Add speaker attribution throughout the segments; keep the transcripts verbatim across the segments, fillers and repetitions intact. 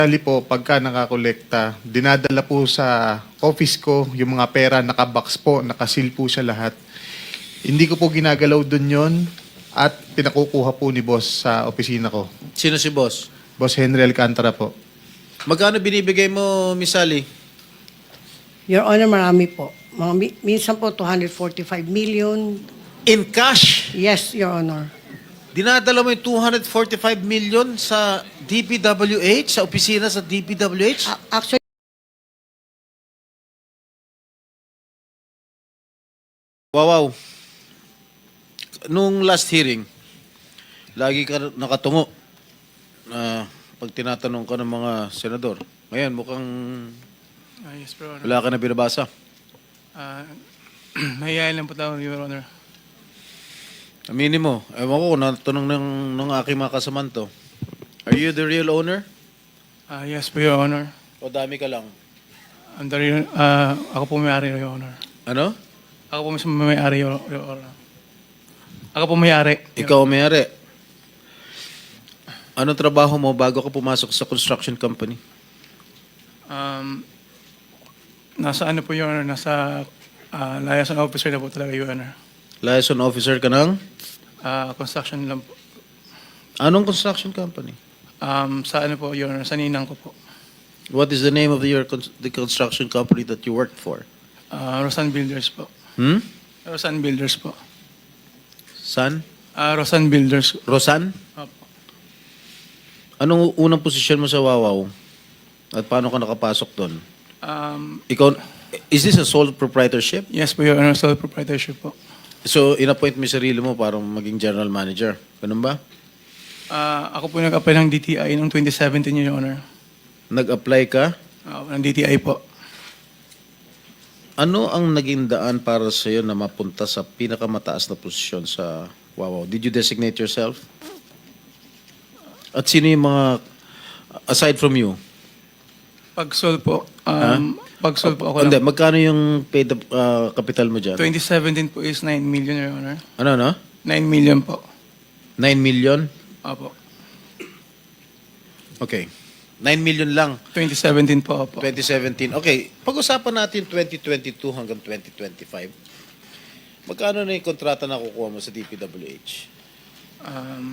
Speaker 1: Actually po, pagka nakakolekta, dinadala po sa office ko yung mga pera, nakabox po, nakasil po siya lahat. Hindi ko po ginagalaw dun yon at pinakukuha po ni boss sa opisina ko.
Speaker 2: Sino si boss?
Speaker 1: Boss Henry Alcantara po.
Speaker 2: Magkano binibigay mo, Miss Sally?
Speaker 3: Your Honor, marami po. Mga, mi- minsan po two hundred forty-five million.
Speaker 2: In cash?
Speaker 3: Yes, Your Honor.
Speaker 2: Dinadala mo yung two hundred forty-five million sa D P W H, sa opisina sa D P W H?
Speaker 3: A- actually,
Speaker 2: Wow, wow. Nung last hearing, lagi ka nakatungo na pag tinatanong ka ng mga senador. Ngayon, mukhang
Speaker 4: Ah, yes, Your Honor.
Speaker 2: wala ka na binabasa.
Speaker 4: Ah, mahihayin lang po tayo, Your Honor.
Speaker 2: Aminin mo. Ewan ko, natanong ng, ng aking mga kasamanto. Are you the real owner?
Speaker 4: Ah, yes po, Your Honor.
Speaker 2: O dami ka lang?
Speaker 4: I'm the real- ah, ako po may-ari, Your Honor.
Speaker 2: Ano?
Speaker 4: Ako po mismo may-ari, Your, Your Honor. Ako po may-ari.
Speaker 2: Ikaw ang may-ari. Anong trabaho mo bago ka pumasok sa construction company?
Speaker 4: Um, nasa ano po, Your Honor? Nasa ah, liaison officer na po talaga, Your Honor.
Speaker 2: Liaison officer ka ng?
Speaker 4: Ah, construction lang po.
Speaker 2: Anong construction company?
Speaker 4: Um, sa ano po, Your Honor? Sa ninang ko po.
Speaker 2: What is the name of the, your, cons- the construction company that you worked for?
Speaker 4: Ah, Rosan Builders po.
Speaker 2: Hmm?
Speaker 4: Rosan Builders po.
Speaker 2: San?
Speaker 4: Ah, Rosan Builders.
Speaker 2: Rosan?
Speaker 4: Opo.
Speaker 2: Anong unang posisyon mo sa Wawaw? At paano ka nakapasok doon?
Speaker 4: Um,
Speaker 2: Ikaw, is this a sole proprietorship?
Speaker 4: yes po, Your Honor. Sole proprietorship po.
Speaker 2: So, in-appoint mo yung sarili mo para maging general manager. Ganun ba?
Speaker 4: Ah, ako po nag-apply ng D T I noong twenty seventeen, Your Honor.
Speaker 2: Nag-apply ka?
Speaker 4: Ah, ng D T I po.
Speaker 2: Ano ang naging daan para sa iyo na mapunta sa pinakamataas na posisyon sa Wawaw? Did you designate yourself? At sino yung mga, aside from you?
Speaker 4: Pag-sol po, um, pag-sol po ako
Speaker 2: Hindi,
Speaker 4: lang.
Speaker 2: magkano yung paid up, uh, capital mo dyan?
Speaker 4: twenty seventeen po is nine million, Your Honor.
Speaker 2: Ano, no?
Speaker 4: nine million po.
Speaker 2: nine million?
Speaker 4: Opo.
Speaker 2: Okay. nine million lang.
Speaker 4: twenty seventeen po, opo.
Speaker 2: twenty seventeen. Okay, pag-usapan natin twenty twenty-two hanggang twenty twenty-five. Magkano na yung kontrata na kukuha mo sa D P W H?
Speaker 4: Um,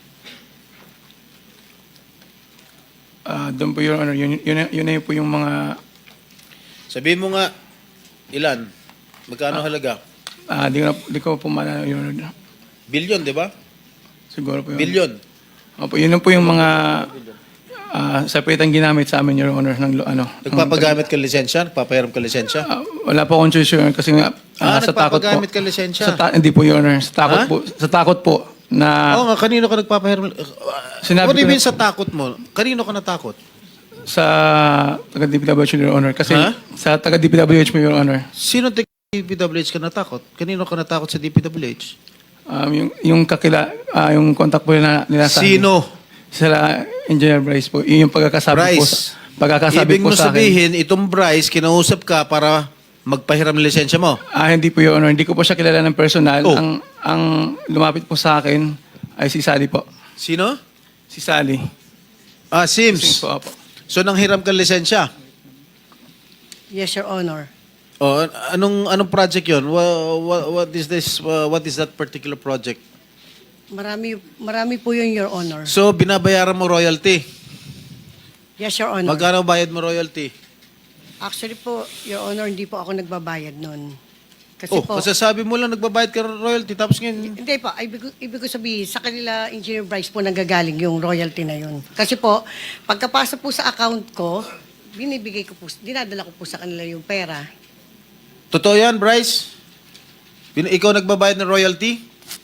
Speaker 4: ah, doon po, Your Honor. Yun, yun, na- yun na po yung mga...
Speaker 2: Sabihin mo nga, ilan? Magkano halaga?
Speaker 4: Ah, di ko, na- di ko po maalala, Your Honor.
Speaker 2: Billion, di ba?
Speaker 4: Siguro po yun.
Speaker 2: Billion.
Speaker 4: Opo, yun na po yung mga... Ah, separate ang ginamit sa amin, Your Honor. Ng, lo- ano,
Speaker 2: Nagpapagamit ka lisensya? Nagpapahiram ka lisensya?
Speaker 4: Ah, wala po akong choice, Your Honor, kasi nga...
Speaker 2: Ah,
Speaker 4: ah, sa takot po.
Speaker 2: nagpapagamit ka lisensya?
Speaker 4: Sa ta- hindi po, Your Honor. Sa takot
Speaker 2: Ha?
Speaker 4: po. Sa takot po na...
Speaker 2: Oo nga, kanino ka nagpapahiram?
Speaker 4: Sinabi
Speaker 2: What do you
Speaker 4: ko
Speaker 2: mean
Speaker 4: na-
Speaker 2: sa takot mo? Kanino ka natakot?
Speaker 4: sa taga D P W H, Your Honor. Kasi
Speaker 2: Ha?
Speaker 4: sa taga D P W H mo, Your Honor.
Speaker 2: Sino taga D P W H ka natakot? Kanino ka natakot sa D P W H?
Speaker 4: Um, yung, yung kakila, ah, yung contact po nila, nila sa akin.
Speaker 2: Sino?
Speaker 4: Sila, Engineer Bryce po. Yun yung pagkakasabi po.
Speaker 2: Bryce.
Speaker 4: Sa, pagkakasabi
Speaker 2: Ibig
Speaker 4: po
Speaker 2: mo
Speaker 4: sa akin.
Speaker 2: sabihin, itong Bryce, kinausap ka para magpahiram ng lisensya mo?
Speaker 4: Ah, hindi po, Your Honor. Hindi ko po siya kilala ng personal.
Speaker 2: Oh.
Speaker 4: Ang, ang lumapit po sa akin ay si Sally po.
Speaker 2: Sino?
Speaker 4: Si Sally.
Speaker 2: Ah,
Speaker 4: Sims
Speaker 2: Sims.
Speaker 4: po, apo.
Speaker 2: So, nanghiram ka ng lisensya?
Speaker 3: yes, Your Honor.
Speaker 2: O, anong anong project yun? What, what is this, uh, what is that particular project?
Speaker 3: Marami, marami po yun, Your Honor.
Speaker 2: So, binabayaran mo royalty.
Speaker 3: Yes, Your Honor.
Speaker 2: Magkano bayad mo royalty?
Speaker 3: Actually po, Your Honor, hindi po ako nagbabayad nun. Kasi
Speaker 2: Oh,
Speaker 3: po,
Speaker 2: kasi sabi mo lang nagbabayad ka ng royalty, tapos ngayon,
Speaker 3: hindi po, ibig, ko- ibig ko sabihin, sa kanila, Engineer Bryce po, nanggagaling yung royalty na yun. Kasi po, pagkapasa po sa account ko, binibigay ko po, dinadala ko po sa kanila yung pera.
Speaker 2: totoo yan, Bryce? Bin- ikaw nagbabayad ng royalty?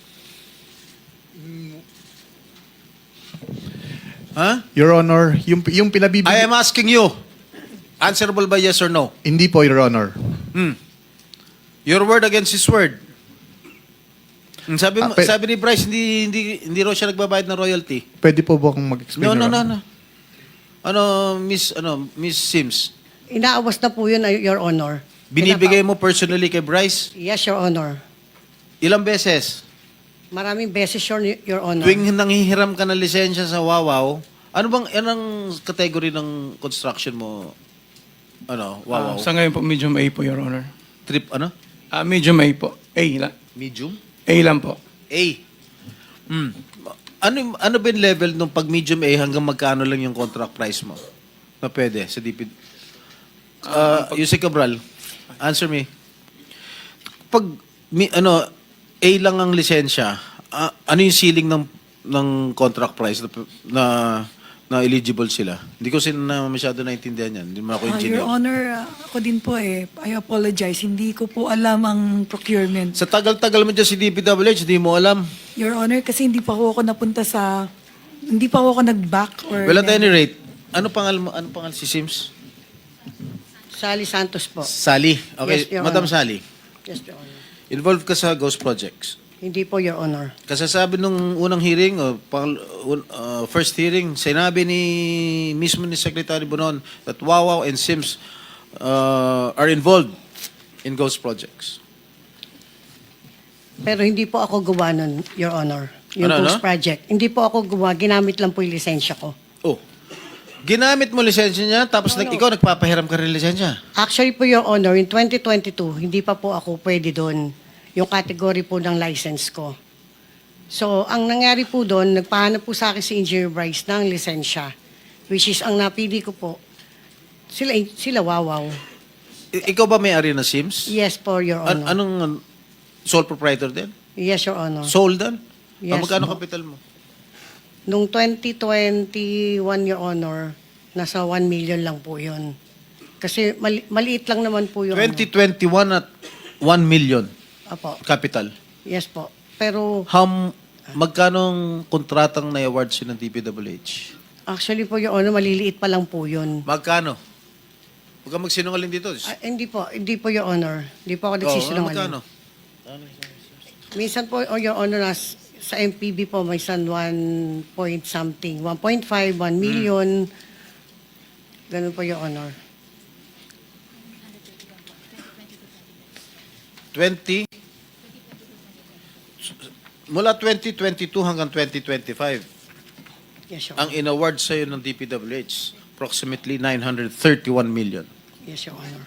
Speaker 2: Ha?
Speaker 1: Your Honor, yung, yung pinabibigay...
Speaker 2: I am asking you. Answerable by yes or no?
Speaker 1: Hindi po, Your Honor.
Speaker 2: Hmm. Your word against his word. Hmm, Sabi mo,
Speaker 1: Ah, pe-
Speaker 2: sabi ni Bryce, hindi hindi hindi raw siya nagbabayad ng royalty.
Speaker 1: Pwede po ba akong mag-explain,
Speaker 2: No, no,
Speaker 1: Your
Speaker 2: no,
Speaker 1: Honor?
Speaker 2: no. Ano, Miss ano, Miss Sims,
Speaker 3: Inaawas na po yun, Your Honor.
Speaker 2: binibigay mo personally kay Bryce
Speaker 3: Yes, Your Honor.
Speaker 2: ilang beses?
Speaker 3: Maraming beses, Your, Your Honor.
Speaker 2: Tuwing nanghihiram ka ng lisensya sa Wawaw, Ano bang, anong category ng construction mo? Ano, wow,
Speaker 4: Ah, sa ngayon po, medium A po, Your Honor.
Speaker 2: Trip, ano?
Speaker 4: Ah, medium A po. A lang.
Speaker 2: Medium?
Speaker 4: A lang po.
Speaker 2: A. Hmm. Ano, ano ba yung level nung pag medium A hanggang magkano lang yung contract price mo? Na pwede sa D P. Uh, Yusek Cabral, answer me. Pag, mi, ano, A lang ang lisensya, ah, ano yung ceiling ng ng contract price na, na, na eligible sila? Hindi ko sila na masyado naintindihan yan. Hindi mo ako
Speaker 5: Ah,
Speaker 2: engineer.
Speaker 5: Your Honor, ah, ako din po eh. I apologize. Hindi ko po alam ang procurement.
Speaker 2: Sa tagal-tagal mo dyan si D P W H, hindi mo alam.
Speaker 5: Your Honor, kasi hindi pa ako napunta sa... Hindi pa ako nag-back or...
Speaker 2: Well, at any rate, ano pangal mo? Ano pangal si Sims?
Speaker 3: Sally Santos po.
Speaker 2: Sally. Okay,
Speaker 3: Yes, Your
Speaker 2: Madam
Speaker 3: Honor.
Speaker 2: Sally.
Speaker 3: Yes, Your Honor.
Speaker 2: Involved ka sa Ghost Projects.
Speaker 3: Hindi po, Your Honor.
Speaker 2: Kasasabi nung unang hearing, o pang, un- uh, first hearing, sinabi ni mismo ni Secretary Bonon that Wawaw and Sims uh, are involved in Ghost Projects.
Speaker 3: Pero hindi po ako gawa nun, Your Honor. Yung
Speaker 2: Ano,
Speaker 3: Ghost
Speaker 2: ano?
Speaker 3: Project. Hindi po ako gawa. Ginamit lang po yung lisensya ko.
Speaker 2: Oh, ginamit mo lisensya niya, tapos nag, ikaw nagpapahiram ka rin lisensya.
Speaker 3: Actually po, Your Honor, in twenty twenty-two, hindi pa po ako pwede doon. Yung category po ng license ko. So, ang nangyari po doon, nagpahanap po sa akin si Engineer Bryce ng lisensya. Which is, ang napili ko po, sila, sila wawaw.
Speaker 2: I- ikaw ba may-ari ng Sims?
Speaker 3: Yes po, Your
Speaker 2: An-
Speaker 3: Honor.
Speaker 2: anong uh, sole proprietor din?
Speaker 3: Yes, Your Honor.
Speaker 2: Sole din?
Speaker 3: Yes,
Speaker 2: Ah, magkano
Speaker 3: po.
Speaker 2: kapital mo?
Speaker 3: Nung twenty twenty-one, Your Honor, nasa one million lang po yun. Kasi mali- maliit lang naman po yung...
Speaker 2: twenty twenty-one at one million
Speaker 3: Apo.
Speaker 2: capital.
Speaker 3: Yes po. Pero
Speaker 2: Ham, magkanong kontratang na-award siya ng D P W H?
Speaker 3: actually po, Your Honor, maliliit pa lang po yun.
Speaker 2: Magkano? Huwag kang magsinungaling dito.
Speaker 3: Ah, hindi po, hindi po, Your Honor. Hindi po ako
Speaker 2: Oo, magkano?
Speaker 3: nagsisinungaling. Minsan po, oh, Your Honor, nas, sa M P B po, may san one point something. one point five, one million. Ganun po, Your Honor.
Speaker 2: twenty? Mula twenty twenty-two hanggang twenty twenty-five,
Speaker 3: Yes, Your
Speaker 2: ang
Speaker 3: Honor.
Speaker 2: in-award sa'yo ng D P W H, approximately nine hundred thirty-one million.
Speaker 3: Yes, Your Honor.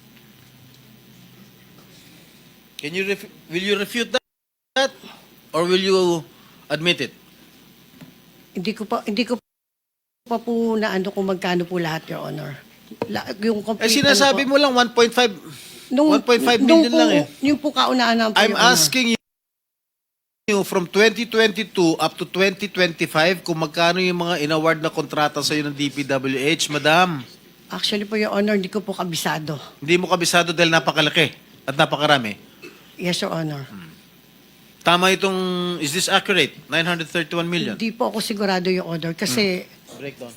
Speaker 2: Can you ref- will you refute that? Or will you admit it?
Speaker 3: Hindi ko pa, hindi ko pa po na ano kung magkano po lahat, Your Honor. La, yung complete,
Speaker 2: Eh, sinasabi
Speaker 3: ano po,
Speaker 2: mo lang one point five
Speaker 3: nung-
Speaker 2: one point five
Speaker 3: nung
Speaker 2: million
Speaker 3: po-
Speaker 2: lang eh.
Speaker 3: Yung po kaunaan po,
Speaker 2: I'm
Speaker 3: Your Honor.
Speaker 2: asking you from twenty twenty-two up to twenty twenty-five kung magkano yung mga in-award na kontrata sa'yo ng D P W H, madam.
Speaker 3: Actually po, Your Honor, hindi ko po kabisado.
Speaker 2: Hindi mo kabisado dahil napakalaki at napakarami.
Speaker 3: Yes, Your Honor.
Speaker 2: Tama itong, is this accurate? nine hundred thirty-one million?
Speaker 3: Hindi po ako sigurado, Your Honor, kasi
Speaker 2: Breakdown.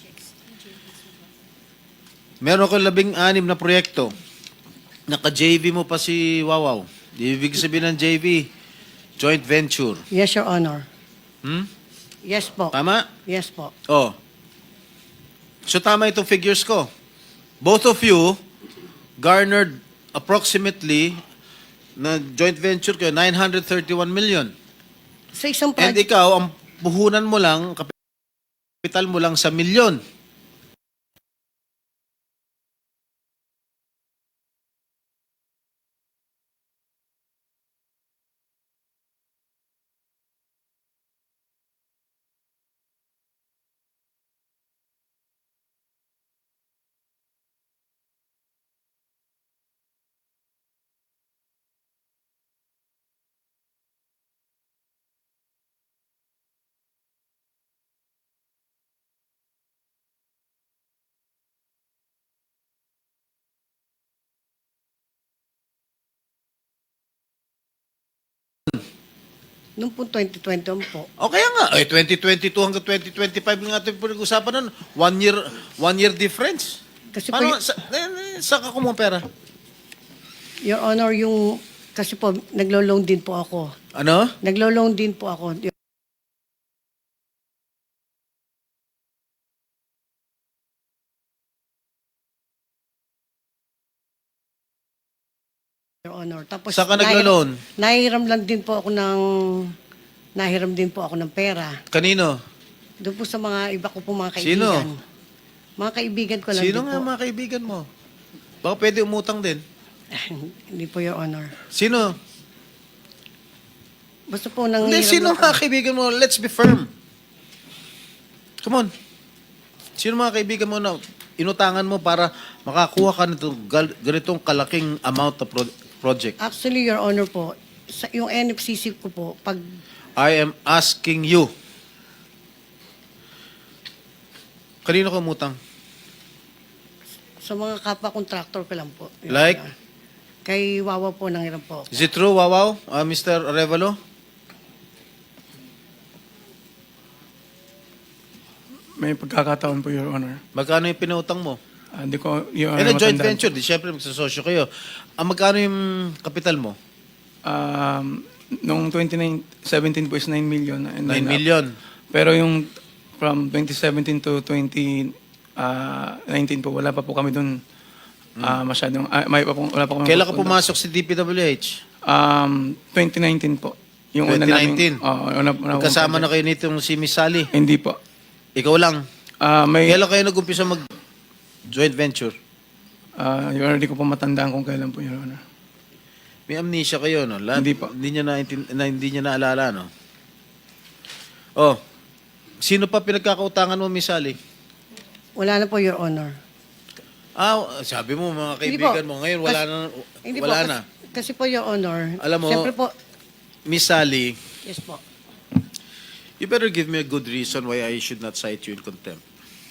Speaker 2: Meron ko labing anim na proyekto. Naka-J V mo pa si Wawaw. Ibig sabihin ng J V, joint venture.
Speaker 3: yes, Your Honor.
Speaker 2: Hmm?
Speaker 3: Yes po.
Speaker 2: Tama?
Speaker 3: Yes po.
Speaker 2: Oh. So tama itong figures ko. Both of you garnered approximately na joint venture ko nine hundred thirty-one million.
Speaker 3: Sa isang
Speaker 2: And
Speaker 3: project,
Speaker 2: ikaw, ang puhunan mo lang, kapital mo lang sa milyon.
Speaker 3: nung po twenty twenty po,
Speaker 2: O kaya nga, eh, twenty twenty-two hanggang twenty twenty-five nga ito yung pinag-usapan nun. One year, one year difference.
Speaker 3: kasi po,
Speaker 2: Paano,
Speaker 3: y-
Speaker 2: sa, eh, eh, saan ka kumuha pera?
Speaker 3: Your Honor, yung, kasi po, naglo-loan din po ako.
Speaker 2: Ano?
Speaker 3: Naglo-loan din po ako. Your Honor. Tapos,
Speaker 2: Saan ka
Speaker 3: nahiram-
Speaker 2: naglo-loan?
Speaker 3: Nahiram lang din po ako ng, nahiram din po ako ng pera.
Speaker 2: Kanino?
Speaker 3: Doon po sa mga iba ko po mga
Speaker 2: Sino?
Speaker 3: kaibigan. Mga kaibigan ko lang
Speaker 2: Sino
Speaker 3: din
Speaker 2: nga
Speaker 3: po.
Speaker 2: mga kaibigan mo? Baka pwede umutang din.
Speaker 3: Hindi po, Your Honor.
Speaker 2: Sino?
Speaker 3: Basta po nang
Speaker 2: Hindi, sino mga kaibigan mo? Let's be firm. Come on. Sino mga kaibigan mo na inutangan mo para makakuha ka nito gal- ganitong kalaking amount of pro- project?
Speaker 3: Actually, Your Honor po, sa, yung N F C C ko po, pag
Speaker 2: I am asking you. Kanino ka umutang?
Speaker 3: sa mga kapwa-contractor ko lang po. Your
Speaker 2: Like?
Speaker 3: Honor. Kay Wawa po nang ilan po.
Speaker 2: Is it true, Wawaw? Uh, Mister Arevalo?
Speaker 4: May pagkakataon po, Your Honor.
Speaker 2: Magkano yung pinautang mo?
Speaker 4: Ah, Hindi ko, Your
Speaker 2: Eh,
Speaker 4: Honor,
Speaker 2: na joint
Speaker 4: matandaan.
Speaker 2: venture. Di syempre magsasosyo kayo. Ang magkano yung kapital mo?
Speaker 4: Um, nung twenty seventeen po is nine million. And
Speaker 2: nine
Speaker 4: then, uh,
Speaker 2: million.
Speaker 4: Pero yung from twenty seventeen to twenty nineteen po, wala pa po kami doon ah, masyadong, ah, may pa po, wala pa kami.
Speaker 2: Kailan ka
Speaker 4: pupunta.
Speaker 2: pumasok sa D P W H?
Speaker 4: Um, twenty nineteen po. Yung
Speaker 2: twenty nineteen?
Speaker 4: Una naming, oh, una, una,
Speaker 2: Kasama na kayo nitong si Miss Sally.
Speaker 4: Hindi po.
Speaker 2: Ikaw lang.
Speaker 4: Ah, may,
Speaker 2: Kailan kayo nag-umpisa mag joint venture?
Speaker 4: ah, Your Honor, di ko po matandaan kung kailan po, Your Honor.
Speaker 2: May amnesia kayo, no? Lahat,
Speaker 4: Hindi po.
Speaker 2: Hindi niya na, na hindi niya naalala, no? Oh. Sino pa pinagkakautangan mo, Miss Sally?
Speaker 3: Wala na po, Your Honor.
Speaker 2: Ah, sabi mo mga
Speaker 3: Hindi
Speaker 2: kaibigan
Speaker 3: po.
Speaker 2: mo ngayon wala
Speaker 3: Kas-
Speaker 2: na
Speaker 3: Hindi
Speaker 2: wala
Speaker 3: po,
Speaker 2: na.
Speaker 3: Kasi, kasi po, Your Honor.
Speaker 2: Alam mo-
Speaker 3: Siyempre po,
Speaker 2: Miss Sally,
Speaker 3: yes po.
Speaker 2: you better give me a good reason why I should not cite you in contempt.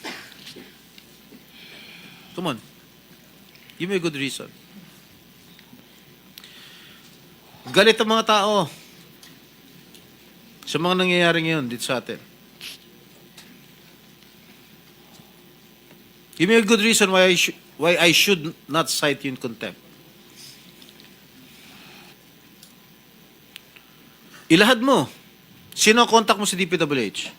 Speaker 2: Come on. Give me a good reason. Galit ang mga tao sa mga nangyayari ngayon dito sa atin. Give me a good reason why I, sh- why I should not cite you in contempt. Ilahad mo. Sino ang contact mo sa D P W H?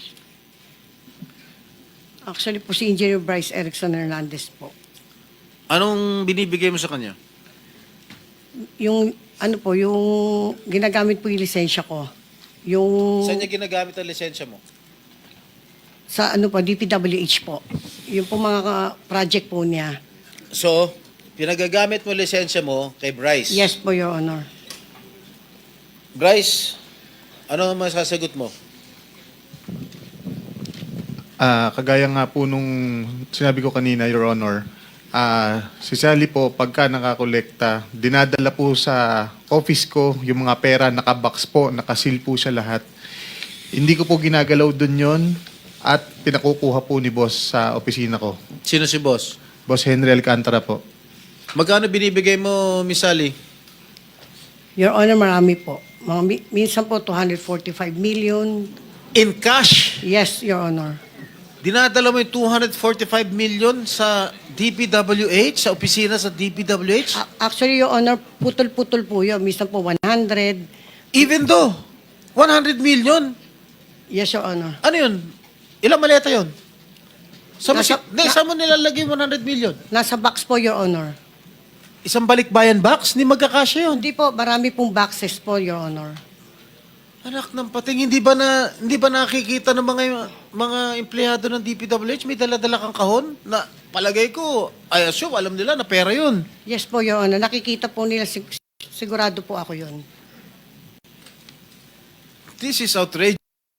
Speaker 3: Actually po si Engineer Bryce Erickson Hernandez po.
Speaker 2: Anong binibigay mo sa kanya?
Speaker 3: Yung, ano po, yung ginagamit po yung lisensya ko. Yung,
Speaker 2: Saan niya ginagamit ang lisensya mo?
Speaker 3: sa ano po, D P W H po. Yung po mga ka- project po niya.
Speaker 2: So, pinagagamit mo lisensya mo kay Bryce.
Speaker 3: Yes po, Your Honor.
Speaker 2: Bryce, ano ang masasagot mo?
Speaker 1: Ah, kagaya nga po nung sinabi ko kanina, Your Honor, ah, si Sally po, pagka nakakolekta, dinadala po sa office ko yung mga pera, nakabox po, nakasil po siya lahat. Hindi ko po ginagalaw dun yon at pinakukuha po ni boss sa opisina ko.
Speaker 2: Sino si boss?
Speaker 1: Boss Henry Alcantara po.
Speaker 2: Magkano binibigay mo, Miss Sally?
Speaker 3: Your Honor, marami po. Mga, mi- minsan po, two hundred forty-five million.
Speaker 2: In cash,
Speaker 3: Yes, Your Honor.
Speaker 2: dinadala mo yung two hundred forty-five million sa D P W H, sa opisina sa D P W H?
Speaker 3: A- Actually, Your Honor, putol-putol po yun. Minsan po, one hundred.
Speaker 2: Even though, one hundred million,
Speaker 3: Yes, Your Honor.
Speaker 2: ano yun? Ilang maleta yun? Saan mo,
Speaker 3: Nasa-
Speaker 2: si- Hindi, saan mo nilalagay one hundred million?
Speaker 3: Nasa box po, Your Honor.
Speaker 2: Isang balikbayan box? Hindi magkakasya yun.
Speaker 3: Hindi po, marami pong boxes po, Your Honor.
Speaker 2: Anak ng pating, hindi ba na hindi ba nakikita ng mga mga empleyado ng D P W H may dala-dala kang kahon na palagay ko, I assume alam nila na pera 'yun.
Speaker 3: Yes po, Your Honor. Nakikita po nila, sig- sigurado po ako yun.
Speaker 2: This is outrageous.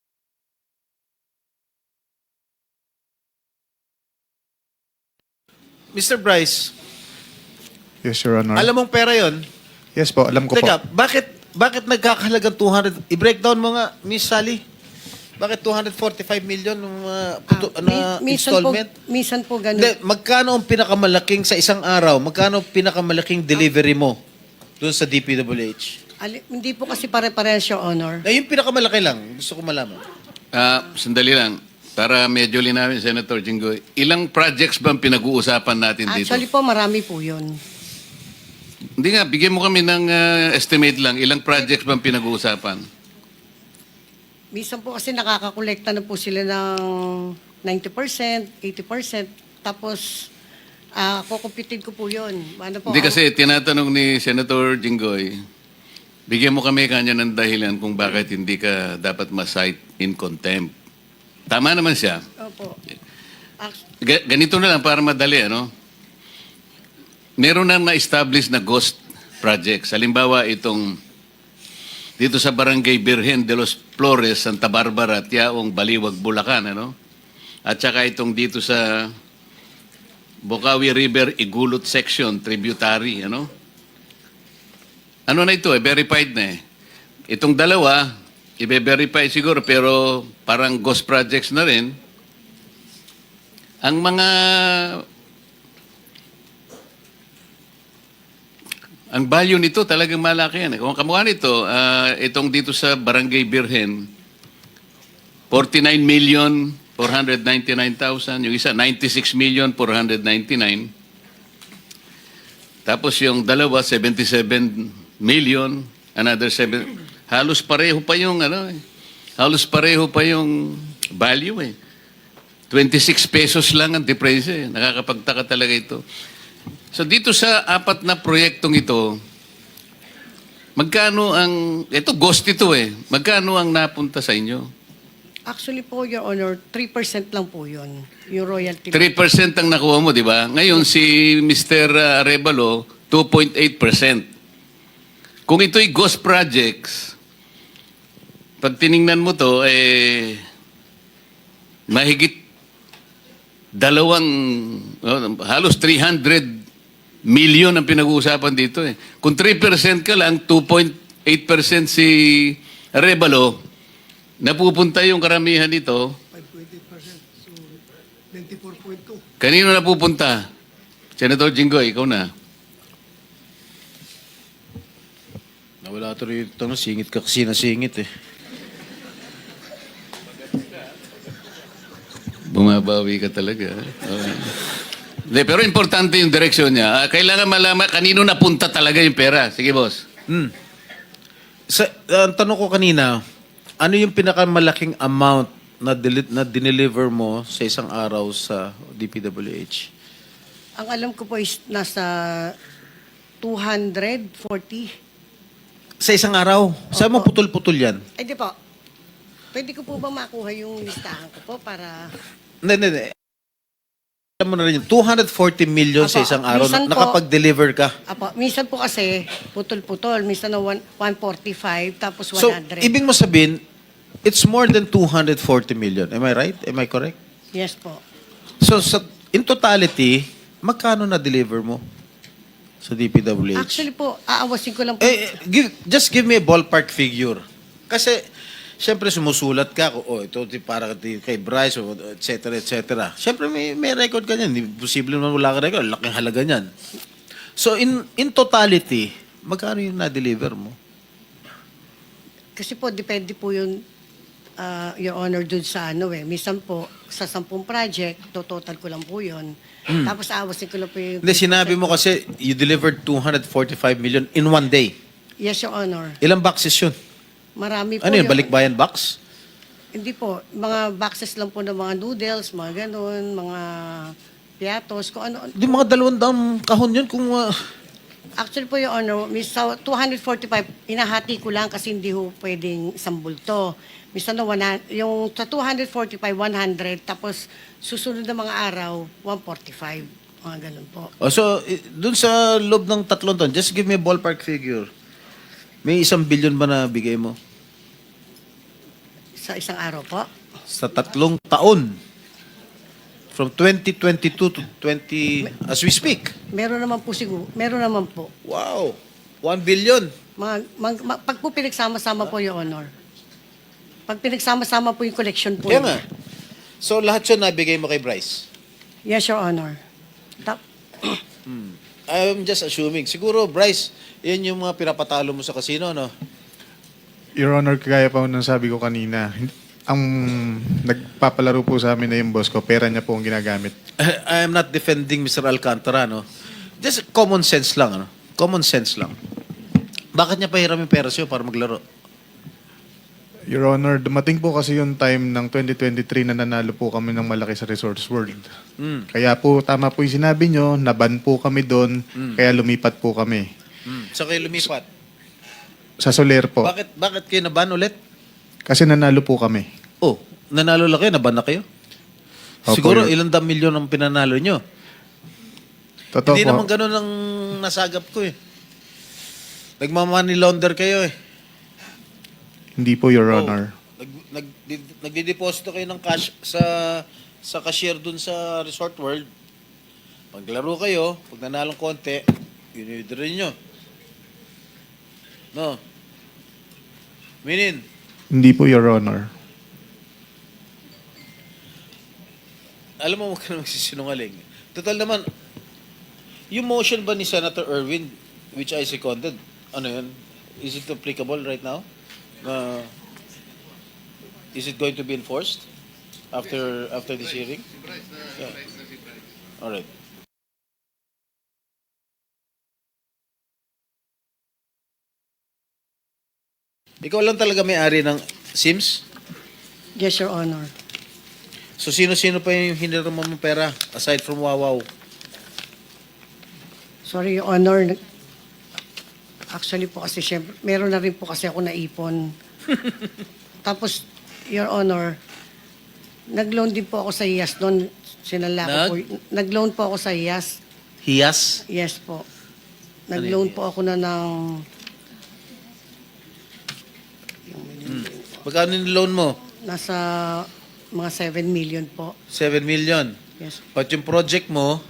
Speaker 2: Mister Bryce,
Speaker 1: Yes, Your Honor.
Speaker 2: alam mong pera 'yon?
Speaker 1: Yes po, alam ko
Speaker 2: Teka,
Speaker 1: po.
Speaker 2: bakit bakit nagkakahalagang two hundred? I-breakdown mo nga, Miss Sally. Bakit two hundred forty-five million ng mga puto,
Speaker 3: Ah,
Speaker 2: na
Speaker 3: mi- minsan po,
Speaker 2: installment?
Speaker 3: minsan po ganun.
Speaker 2: Hindi, magkano ang pinakamalaking sa isang araw? Magkano ang pinakamalaking delivery mo doon sa D P W H?
Speaker 3: Ali- hindi po kasi pare-parehas, Your Honor.
Speaker 2: Na yung pinakamalaki lang, gusto ko malaman.
Speaker 6: Ah, sandali lang. Para medyo linawin, Senator Jinggoy. Ilang projects ba ang pinag-uusapan natin dito?
Speaker 3: Actually po, marami po yun.
Speaker 6: Hindi nga, bigyan mo kami ng ah, estimate lang. Ilang projects ba ang pinag-uusapan?
Speaker 3: Minsan po kasi nakakakolekta na po sila ng ninety percent, eighty percent. Tapos, ah kukumpitin ko po yun. Ano po,
Speaker 6: Hindi
Speaker 3: ang-
Speaker 6: kasi tinatanong ni Senator Jinggoy, bigyan mo kami kanya ng dahilan kung bakit hindi ka dapat ma-cite in contempt. Tama naman siya.
Speaker 3: Opo. Act-
Speaker 6: Ga- ganito na lang para madali, ano? Meron na na-establish na ghost projects. Halimbawa, itong dito sa Barangay Birhen de los Flores, Santa Barbara, Tiaong, Baliwag, Bulacan, ano? At saka itong dito sa Bocaue River, Igulot Section, tributary, ano? Ano na ito eh, verified na eh. Itong dalawa, i-verify siguro, pero parang ghost projects na rin. Ang mga ang value nito talagang malaki yan. Kung kamukha nito, ah, itong dito sa Barangay Birhen, forty-nine million four hundred ninety-nine thousand. Yung isa, ninety-six million four hundred ninety-nine. Tapos yung dalawa, seventy-seven million. Another seven. Halos pareho pa yung ano eh. Halos pareho pa yung value eh. twenty-six pesos lang ang difference eh. Nakakapagtaka talaga ito. So dito sa apat na proyektong ito, magkano ang, ito ghost ito eh, magkano ang napunta sa inyo?
Speaker 3: Actually po, Your Honor, three percent lang po yun. Yung royalty.
Speaker 6: three percent ang nakuha mo, di ba? Ngayon si Mister Arevalo, two point eight percent. Kung ito'y ghost projects, pag tiningnan mo to, eh, mahigit dalawang, oh, halos three hundred million ang pinag-uusapan dito eh. Kung three percent ka lang, two point eight percent si Arevalo, napupunta yung karamihan nito.
Speaker 7: five point eight percent. So, ninety-four point two.
Speaker 6: Kanino napupunta? Senator Jinggoy, ikaw na.
Speaker 2: Nawala ito rito, no? Singit ka kasi na singit eh.
Speaker 6: Bumabawi ka talaga. Okay. De, pero importante yung direksyon niya. Ah, kailangan malaman kanino napunta talaga yung pera. Sige, boss.
Speaker 2: Hmm. Sa, ang tanong ko kanina, ano yung pinakamalaking amount na, deli- na dineliver mo sa isang araw sa D P W H?
Speaker 3: Ang alam ko po is nasa two hundred forty.
Speaker 2: Sa isang araw? Saan mo
Speaker 3: Opo.
Speaker 2: putol-putol yan?
Speaker 3: Ay, di po. Pwede ko po ba makuha yung listahan ko po para...
Speaker 2: Hindi, hindi, hindi. Alam mo na rin yun, two hundred forty million sa
Speaker 3: Apo,
Speaker 2: isang araw,
Speaker 3: minsan
Speaker 2: na,
Speaker 3: po-
Speaker 2: nakapag-deliver ka.
Speaker 3: Apo, minsan po kasi putol-putol. Minsan na one- one forty-five, tapos
Speaker 2: So,
Speaker 3: one hundred.
Speaker 2: ibig mo sabihin, it's more than two hundred forty million. Am I right? Am I correct?
Speaker 3: Yes po.
Speaker 2: So, sa, in totality, magkano na-deliver mo sa D P W H?
Speaker 3: Actually po, aawasin ko lang po.
Speaker 2: Eh, eh, give, just give me a ballpark figure. Kasi, syempre sumusulat ka, oh, ito di- para di- kay Bryce, o et cetera, et cetera. Syempre may, may record ka niyan. Imposible naman wala ka record. Laking halaga niyan. So, in in totality, magkano yung na-deliver mo?
Speaker 3: Kasi po, depende po yung, uh, Your Honor, dun sa ano eh. Minsan po, sa sampung project, to total ko lang po yun. Tapos aawasin ko lang po yung...
Speaker 2: Hindi, sinabi mo kasi you delivered two hundred forty-five million in one day.
Speaker 3: Yes, Your Honor.
Speaker 2: Ilang boxes yun?
Speaker 3: Marami po
Speaker 2: Ano yun,
Speaker 3: Your-
Speaker 2: balikbayan box?
Speaker 3: Hindi po. Mga boxes lang po ng mga noodles, mga ganun, mga piatos, kung ano.
Speaker 2: Di mga dalawang daang kahon yun kung... ah,
Speaker 3: Actually po, Your Honor, mis- sa two hundred forty-five, inahati ko lang kasi hindi ho pwedeng isang bulto. Misa na one, yung sa two hundred forty-five, one hundred, tapos susunod na mga araw, one forty-five. Mga ganun po.
Speaker 2: oh, so, i- dun sa loob ng tatlong taon, just give me a ballpark figure. May isang billion ba na bigay mo?
Speaker 3: Sa isang araw po.
Speaker 2: Sa tatlong taon. From twenty twenty-two to twenty... As we speak.
Speaker 3: Meron naman po siguro. Meron naman po.
Speaker 2: Wow. One billion.
Speaker 3: Mga, mag, ma- pag po pinagsama-sama po, Your Honor. Pag pinagsama-sama po yung collection po.
Speaker 2: Kaya
Speaker 3: yun.
Speaker 2: nga. So, lahat yun nabigay mo kay Bryce?
Speaker 3: Yes, Your Honor. Tap-
Speaker 2: I'm just assuming. Siguro, Bryce, yan yung mga pinapatalo mo sa casino, no?
Speaker 1: Your Honor, kagaya pa ng sabi ko kanina, ang nagpapalaro po sa amin na yung boss ko, pera niya po ang ginagamit.
Speaker 2: I am not defending Mister Alcantara, no? Just common sense lang, ano? Common sense lang. Bakit niya pahiram yung pera sa'yo para maglaro?
Speaker 1: Your Honor, dumating po kasi yung time ng twenty twenty-three na nanalo po kami ng malaki sa Resorts World.
Speaker 2: Mm.
Speaker 1: Kaya po, tama po yung sinabi nyo, naban po kami doon, kaya lumipat po kami.
Speaker 2: Mm. So kayo lumipat.
Speaker 1: Sa Soler po,
Speaker 2: Bakit bakit kayo naban ulit?
Speaker 1: kasi nanalo po kami.
Speaker 2: Oh, nanalo lang kayo, naban na kayo?
Speaker 1: Opo,
Speaker 2: Siguro
Speaker 1: Your-
Speaker 2: ilang dam milyon ang pinanalo nyo.
Speaker 1: Totoo
Speaker 2: Hindi
Speaker 1: po.
Speaker 2: naman ganun ang nasagap ko eh. Nagmamoney launder kayo eh.
Speaker 1: Hindi po, Your
Speaker 2: Oh,
Speaker 1: Honor.
Speaker 2: Nag, nag, di- nagdideposito kayo ng cash sa sa cashier dun sa Resort World. Paglaro kayo, pag nanalong konti, yun nyo. No? Minin,
Speaker 1: Hindi po, Your Honor.
Speaker 2: alam mo, huwag ka na magsisinungaling. Total naman, yung motion ba ni Senator Erwin, which I seconded, ano yun? Is it applicable right now? Uh, is it going to be enforced after after this hearing? Yeah. All right. Ikaw lang talaga may-ari ng Sims?
Speaker 3: Yes, Your Honor.
Speaker 2: So sino-sino pa yung hiniram mo ng pera aside from Wawaw?
Speaker 3: Sorry, Your Honor. Nag- Actually po kasi syempre, meron na rin po kasi ako naipon. Tapos, Your Honor, nag-loan din po ako sa I A S noon. Sinala ko
Speaker 2: Nag?
Speaker 3: po. y- Nag-loan po ako sa I A S.
Speaker 2: Hiyas?
Speaker 3: Yes po.
Speaker 2: Ano
Speaker 3: Nag-loan
Speaker 2: yun?
Speaker 3: po ako na ng...
Speaker 2: Magkano yung loan mo?
Speaker 3: Nasa mga seven million po.
Speaker 2: seven million.
Speaker 3: Yes.
Speaker 2: But yung project mo,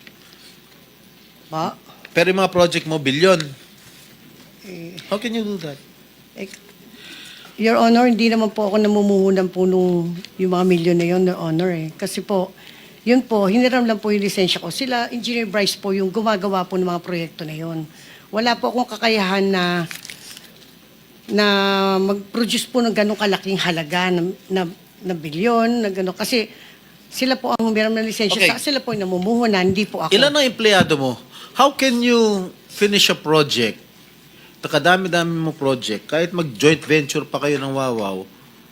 Speaker 3: Pa?
Speaker 2: pero yung mga project mo, billion.
Speaker 3: Eh,
Speaker 2: How can you do that?
Speaker 3: eh, Your Honor, hindi naman po ako namumuhunan po nung yung mga milyon na yun, Your Honor eh. Kasi po, yun po, hiniram lang po yung lisensya ko. Sila, Engineer Bryce po, yung gumagawa po ng mga proyekto na yun. Wala po akong kakayahan na na mag-produce po ng ganong kalaking halaga na, na, na bilyon, na gano'n. Kasi sila po ang humiram ng lisensya.
Speaker 2: Okay.
Speaker 3: Sa, sila po yung namumuhunan, hindi po ako.
Speaker 2: Ilan ang empleyado mo? How can you finish a project? Takadami-dami mo project, kahit mag-joint venture pa kayo ng Wawaw,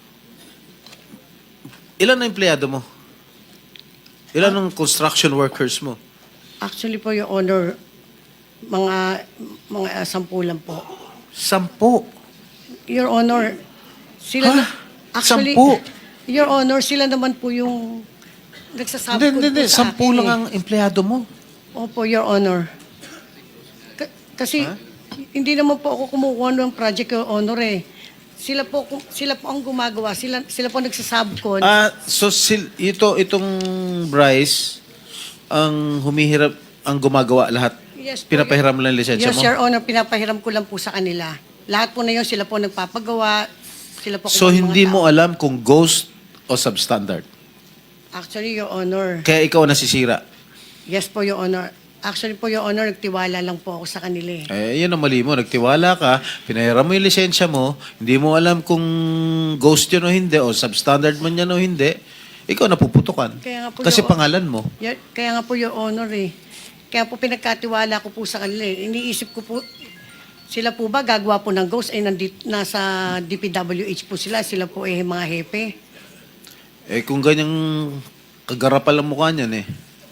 Speaker 2: ilan ang empleyado mo? Ilan ang construction workers mo?
Speaker 3: Actually po, Your Honor, mga, mga uh, sampu lang po.
Speaker 2: Sampo.
Speaker 3: Your Honor, sila
Speaker 2: Ha?
Speaker 3: na, actually,
Speaker 2: Sampu?
Speaker 3: Your Honor, sila naman po yung nagsasabot
Speaker 2: Hindi, hindi, hindi.
Speaker 3: po sa
Speaker 2: Sampu
Speaker 3: akin
Speaker 2: lang
Speaker 3: eh.
Speaker 2: ang empleyado mo.
Speaker 3: Opo, Your Honor. Ka- kasi, hindi naman po ako kumukuha ng project, Your Honor eh. Sila po, kum- sila po ang gumagawa. Sila, sila po nagsasabkon.
Speaker 2: Ah, so sil, ito itong Bryce ang humihirap, ang gumagawa lahat.
Speaker 3: Yes po,
Speaker 2: Pinapahiram lang ang lisensya
Speaker 3: yes,
Speaker 2: mo.
Speaker 3: Your Honor, pinapahiram ko lang po sa kanila. Lahat po na yun, sila po nagpapagawa. Sila po
Speaker 2: So
Speaker 3: kung mga
Speaker 2: hindi
Speaker 3: tao.
Speaker 2: mo alam kung ghost o substandard.
Speaker 3: Actually, Your Honor.
Speaker 2: Kaya ikaw ang nasisira.
Speaker 3: Yes po, Your Honor. Actually po, Your Honor, nagtiwala lang po ako sa kanila eh.
Speaker 2: Eh, yun ang mali mo. Nagtiwala ka, pinahiram mo yung lisensya mo, hindi mo alam kung ghost yun o hindi, o substandard man yan o hindi, ikaw napuputukan.
Speaker 3: Kaya nga po,
Speaker 2: Kasi
Speaker 3: Your-
Speaker 2: pangalan mo.
Speaker 3: Ya- Kaya nga po, Your Honor eh. Kaya po pinagkatiwala ko po sa kanila eh. Iniisip ko po, sila po ba gagawa po ng ghost? Eh, nandit, nasa D P W H po sila. Sila po eh mga hepe.
Speaker 2: Eh, kung ganyang kagarapal ang mukha niyan eh.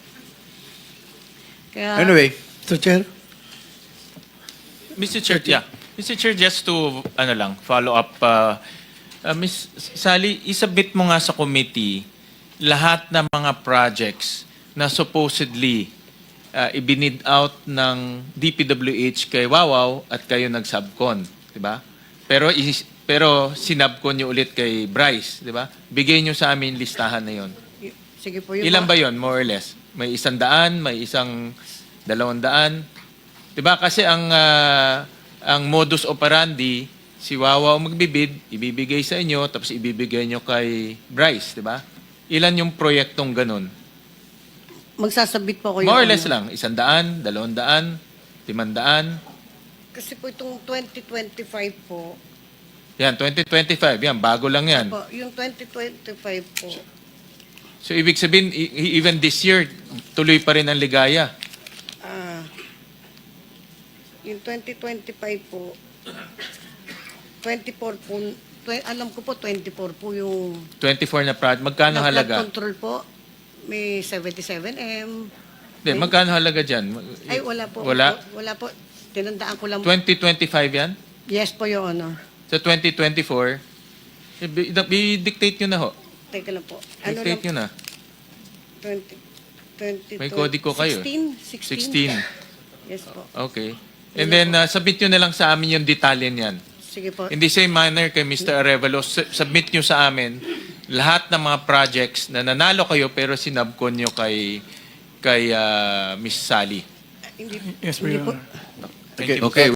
Speaker 3: Kaya,
Speaker 2: Anyway,
Speaker 7: Mister Chair,
Speaker 8: Mister Chair, yeah. Mister Chair, just to ano lang, follow up, uh, uh, Miss Sally, isubmit mo nga sa committee lahat ng mga projects na supposedly uh, ibinid out ng D P W H kay Wawaw at kayo nag-subcon, di ba? Pero is, pero sinubcon niyo ulit kay Bryce, di ba? Bigay niyo sa amin listahan na 'yon.
Speaker 3: y- sige po. Yung
Speaker 8: Ilan
Speaker 3: mga-
Speaker 8: ba 'yon, more or less? May isang daan, may isang dalawang daan. 'Di ba kasi ang ah, ang modus operandi si Wawa ang magbibid, ibibigay sa inyo tapos ibibigay nyo kay Bryce, 'di ba? Ilan yung proyektong ganun?
Speaker 3: Magsasabit po ko
Speaker 8: More or
Speaker 3: Your
Speaker 8: less
Speaker 3: Honor.
Speaker 8: lang, isang daan, dalawang daan, limang daan.
Speaker 3: Kasi po itong twenty twenty-five po,
Speaker 8: Yan, twenty twenty-five, yan, bago lang yan.
Speaker 3: po yung twenty twenty-five po,
Speaker 8: So ibig sabihin, e- e- even this year, tuloy pa rin ang ligaya.
Speaker 3: ah, yung twenty twenty-five po, twenty-four po, tw- alam ko po twenty-four po yung
Speaker 8: twenty-four na project. Magkano
Speaker 3: na flood
Speaker 8: halaga?
Speaker 3: control po. May seventy-seven M.
Speaker 8: Hindi, magkano halaga dyan?
Speaker 3: Ay, wala po.
Speaker 8: Wala?
Speaker 3: Wala po. Tinandaan ko lang.
Speaker 8: twenty twenty-five yan?
Speaker 3: Yes po, Your Honor.
Speaker 8: Sa twenty twenty-four, i- i- i-dictate nyo na ho.
Speaker 3: Teka lang po. Ano
Speaker 8: Dictate nyo na.
Speaker 3: twenty, twenty,
Speaker 8: May kodiko kayo.
Speaker 3: sixteen?
Speaker 8: sixteen.
Speaker 3: Yes po.
Speaker 8: Okay. And then, uh, submit nyo na lang sa amin yung detalye niyan.
Speaker 3: Sige po.
Speaker 8: In the same manner kay Mister Arevalo, su- submit nyo sa amin lahat ng mga projects na nanalo kayo pero sinabkon nyo kay, kay uh, Miss Sally.
Speaker 3: Hindi,
Speaker 4: Yes,
Speaker 3: hindi
Speaker 4: Your
Speaker 3: po.
Speaker 4: Honor.
Speaker 8: Thank you.
Speaker 6: Okay.